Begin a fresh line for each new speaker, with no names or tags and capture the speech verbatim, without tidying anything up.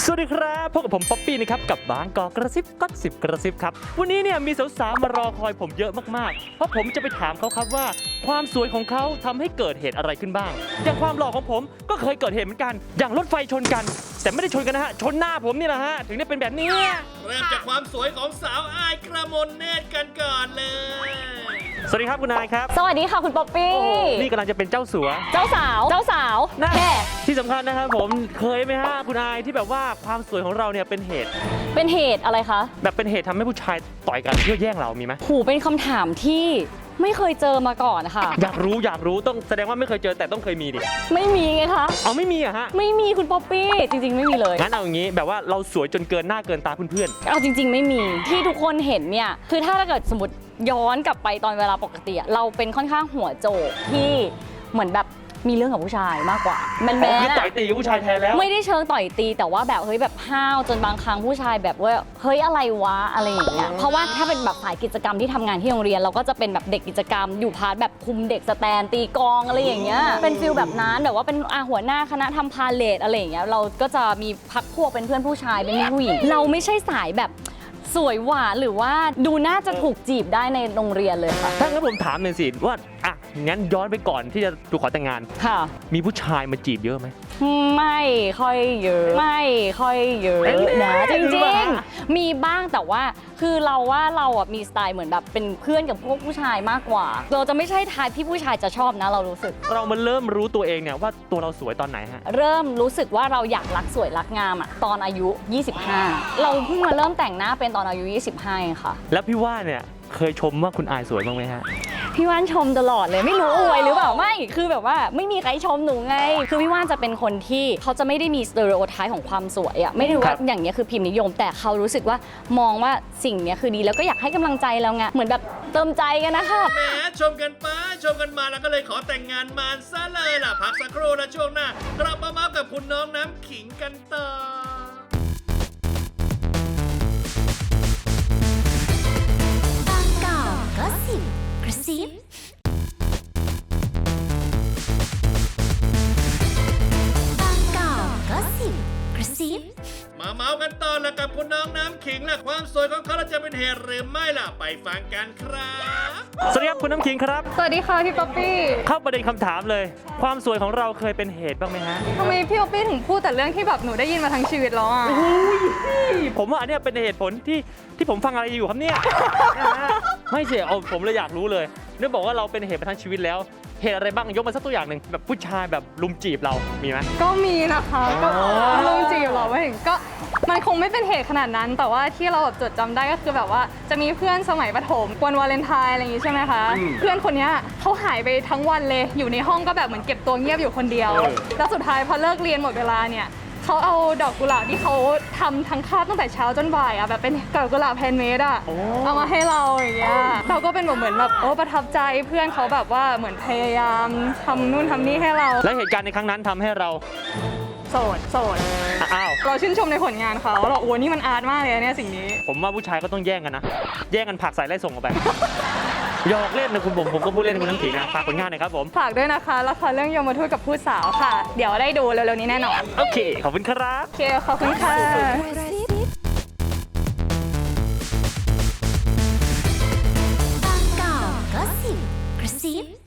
สวัสดีครับพบกับผมป๊อปปี้นะครับกับบางกอกกระซิบก็สิบกระซิบครับวันนี้เนี่ยมีสาวๆมารอคอยผมเยอะมากๆเพราะผมจะไปถามเขาครับว่าความสวยของเขาทำให้เกิดเหตุอะไรขึ้นบ้างอย่างความหล่อของผมก็เคยเกิดเหตุเหมือนกันอย่างรถไฟชนกันแต่ไม่ได้ชนกันนะฮะชนหน้าผมนี่แหละฮะถึงได้เป็นแบบนี้
เริ่มจากความสวยของสาวอายกระมนเนตรกันก่อนเลย
สวัสดีครับคุณนายครับ
สวัสดีค่ะคุณป๊อปปี้
นี่กำลังจะเป็นเจ้าสัว
เจ้าสาวเจ้าสาว
นะที่สำคัญนะครับผมเคยไหมฮะคุณนายที่แบบว่าความสวยของเราเนี่ยเป็นเหตุ
เป็นเหตุอะไรคะ
แบบเป็นเหตุทำให้ผู้ชายต่อยกันเพื่อแย่งเรามีไหม
หูเป็นคำถามที่ไม่เคยเจอมาก่อนค่ะ
อยากรู้อยากรู้ต้องแสดงว่าไม่เคยเจอแต่ต้องเคยมีดิ
ไม่มีไงคะ
เอาไม่มีอะฮะ
ไม่มีคุณป๊อปปี้จริงๆไม่มีเลย
งั้นเอาอย่างนี้แบบว่าเราสวยจนเกินหน้าเกินตาเพื่อน
ๆเอาจริงๆไม่มีที่ทุกคนเห็นเนี่ยคือถ้าเกิดสมมติย้อนกลับไปตอนเวลาปกติเราเป็นค่อนข้างหัวโจกที่เหมือนแบบมีเรื่องกับผู้ชายมากกว่าแมนแมน
ต่อยตีกับผู้ชายแทนแล้ว
ไม่ได้เชิงต่อยตีแต่ว่าแบบเฮ้ยแบบห้าวจนบางครั้งผู้ชายแบบว่าเฮ้ยอะไรวะอะไรอย่างเงี้ยเพราะว่าถ้าเป็นแบบฝ่ายกิจกรรมที่ทำงานที่โรงเรียนเราก็จะเป็นแบบเด็กกิจกรรมอยู่พาร์ทแบบคุมเด็กสแตนตีกองอะไรอย่างเงี้ยเป็นฟิลแบบนั้นแบบว่าเป็นอาหัวหน้าคณะทำพาเลทอะไรอย่างเงี้ยเราก็จะมีพักพวกเป็นเพื่อนผู้ชายเป็นผู้หญิงเราไม่ใช่สายแบบสวยหวานหรือว่าดูน่าจะถูกจีบได้ในโรงเรียนเลยค่ะ
ถ้างั้นผมถามหน่อยสิว่าอ่ะงั้นย้อนไปก่อนที่จะถูกขอแต่งงาน
ค่ะ
มีผู้ชายมาจีบเยอะไหม
ไม่ค่อยเยอะไม่ค่อยเยอะนะจริงๆมีบ้างแต่ว่าคือเราว่าเราอ่ะมีสไตล์เหมือนแบบเป็นเพื่อนกับพวกผู้ชายมากกว่าเราจะไม่ใช่ทายที่ผู้ชายจะชอบนะเรารู้สึก
เรามาเริ่มรู้ตัวเองเนี่ยว่าตัวเราสวยตอนไหนฮะ
เริ่มรู้สึกว่าเราอยากรักสวยรักงามอ่ะตอนอายุยี่สิบห้าเราเพิ่งมาเริ่มแต่งหน้าเป็นตอนอายุยี่สิบห้าค่ะ
แล้วพี่ว่าเนี่ยเคยชมว่าคุณอายสวยบ้างไหมฮะ
พี่ว่านชมตลอดเลยไม่รู้อวยหรือเปล่าไม่คือแบบว่าไม่มีใครชมหนูไงคือพี่ว่านจะเป็นคนที่เขาจะไม่ได้มีสเตอริโอไทป์ของความสวยอ่ะไม่รู้ว่าอย่างนี้คือพิมพ์นิยมแต่เขารู้สึกว่ามองว่าสิ่งนี้คือดีแล้วก็อยากให้กำลังใจเราไงเหมือนแบบเติมใจกันนะคะ
แหมชมกันไปชมกันมาแล้วก็เลยขอแต่งงานมาซะเลยล่ะพักสักครู่แล้วช่วงหน้ากลับมาเมาส์กับคุณน้องน้ำขิงกันต่อบางกอกก็สิบกระซิบางกอกก็สิบกระซิบมาเมาส์กันต่อแล้วกับคุณน้องน้ำขิงและความสวยของเขาจะเป็นเหตุหรือไม่ล่ะไปฟังกันครับ
สวัสดีครับคุณน้ำขิงครับ
สวัสดีค่ะพี่ป๊อปปี้
เข้าประเด็นคำถามเลยความสวยของเราเคยเป็นเหตุบ้างไหมฮะ
ทำไมพี่ป๊อปปี้ถึงพูดแต่เรื่องที่แบบหนูได้ยินมาทั้งชีวิตแล้วอ่ะ
ผมว่าอันนี้เป็นเหตุผลที่ที่ผมฟังอะไรอยู่ครับเนี่ยไม่เสียเอาผมเลยอยากรู้เลยเนื่องบอกว่าเราเป็นเหตุมาทั้งชีวิตแล้วเหตุอะไรบ้างยกมาสักตัวอย่างหนึ่งแบบผู้ชายแบบลุมจีบเรามีไหม
ก็มีนะคะก็ลุมจีบเราไม่ถึงก็มันคงไม่เป็นเหตุขนาดนั้นแต่ว่าที่เราแบบจดจำได้ก็คือแบบว่าจะมีเพื่อนสมัยประถมวันวาเลนไทน์อะไรอย่างงี้ใช่ไหมคะเพื่อนคนนี้เขาหายไปทั้งวันเลยอยู่ในห้องก็แบบเหมือนเก็บตัวเงียบอยู่คนเดียวแล้วสุดท้ายพอเลิกเรียนหมดเวลาเนี่ยเขาเอาดอกกุหลาบที่เขาทำทั้งคาบตั้งแต่เช้าจนบ่ายอ่ะแบบเป็นดอกกุหลาบแฮนด์เมดอ่ะเอามาให้เราอย่างเงี้ยเราก็เป็นแบบเหมือนแบบโอ้ประทับใจเพื่อนเขาแบบว่าเหมือนพยายามทำนู่นทำนี่ให้เรา
และเหตุการณ์ในครั้งนั้นทำให้เรา
โสดโสด
อ้าว
เราชื่นชมในผลงานเขาเราโอ้นี่มันอาร์ตมากเลยเนี่ยสิ่งนี้
ผมว่าผู้ชายก็ต้องแย่งกันนะแย่งกันผลักใส่ไล่ส่งออกไปหยอกเล่นนะคุณผมผมก็พูดเล่นคุณน้ำขิงนะฝากผลงานหน่อยครับผม
ฝากด้วยนะคะละครเรื่องยมทูตกับผู้สาวค่ะเดี๋ยวได้ดูเร็วๆนี้แน่นอน
โอเคขอบคุณครับ
โอเคขอบคุณค่ะ
บางกอกก็สิบกระซิบ